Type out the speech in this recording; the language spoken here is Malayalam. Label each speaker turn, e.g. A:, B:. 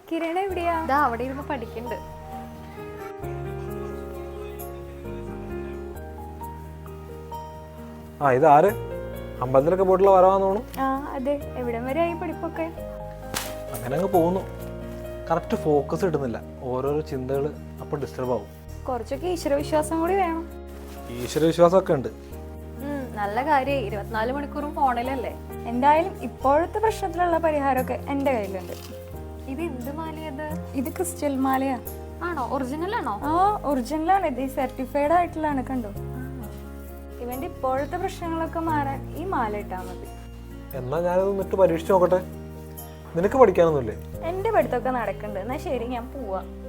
A: കിരണ എവിടെയാ?
B: ഇതാ അവിടെ ഇരുന്ന് പഠിക്കണ്ട്.
C: ഇതാര് അമ്പലത്തിലൊക്കെ പോയിട്ടുള്ള വരവാന്ന് തോന്നുന്നു.
A: അതെ. എവിടം വരെ ആയി പഠിപ്പൊക്കെ?
C: അങ്ങനെ അങ്ങ് പോകുന്നു. കറക്റ്റ് ഫോക്കസ് കിട്ടുന്നില്ല. ഓരോരോ ചിന്തകൾ അപ്പോൾ ഡിസ്റ്റർബ് ആവും.
A: കുറച്ചൊക്കെ ഈശ്വരവിശ്വാസം കൂടി വേണം.
C: ഈശ്വരവിശ്വാസമൊക്കെ ഉണ്ട്.
B: നല്ല കാര്യമായി. 24 മണിക്കൂറും ഫോണിലല്ലേ.
A: എന്തായാലും ഇപ്പോഴത്തെ പ്രശ്നത്തിലുള്ള പരിഹാരമൊക്കെ എൻ്റെ കയ്യിലുണ്ട്.
B: ഇത് എന്ത് മാലയത്?
A: ഇത് ക്രിസ്റ്റൽ മാലയാ.
B: ആണോ? ഒറിജിനൽ ആണോ?
A: ഒറിജിനലാണ്. ഇത് സർട്ടിഫൈഡ് ആയിട്ടുള്ളതാണ്. കണ്ടോ? ഇവന്റെ ഇപ്പോഴത്തെ പ്രശ്നങ്ങളൊക്കെ മാറാൻ ഈ മാല ഇട്ടാൽ മതി.
C: എന്നാ ഞാനത് ഇട്ട് പരീക്ഷിച്ച് നോക്കട്ടെ. നിനക്ക് പഠിക്കാനൊന്നുമില്ലേ?
A: എൻ്റെ പഠിത്തമൊക്കെ നടക്കുന്നുണ്ട്. എന്നാ ശരി, ഞാൻ പോവാ.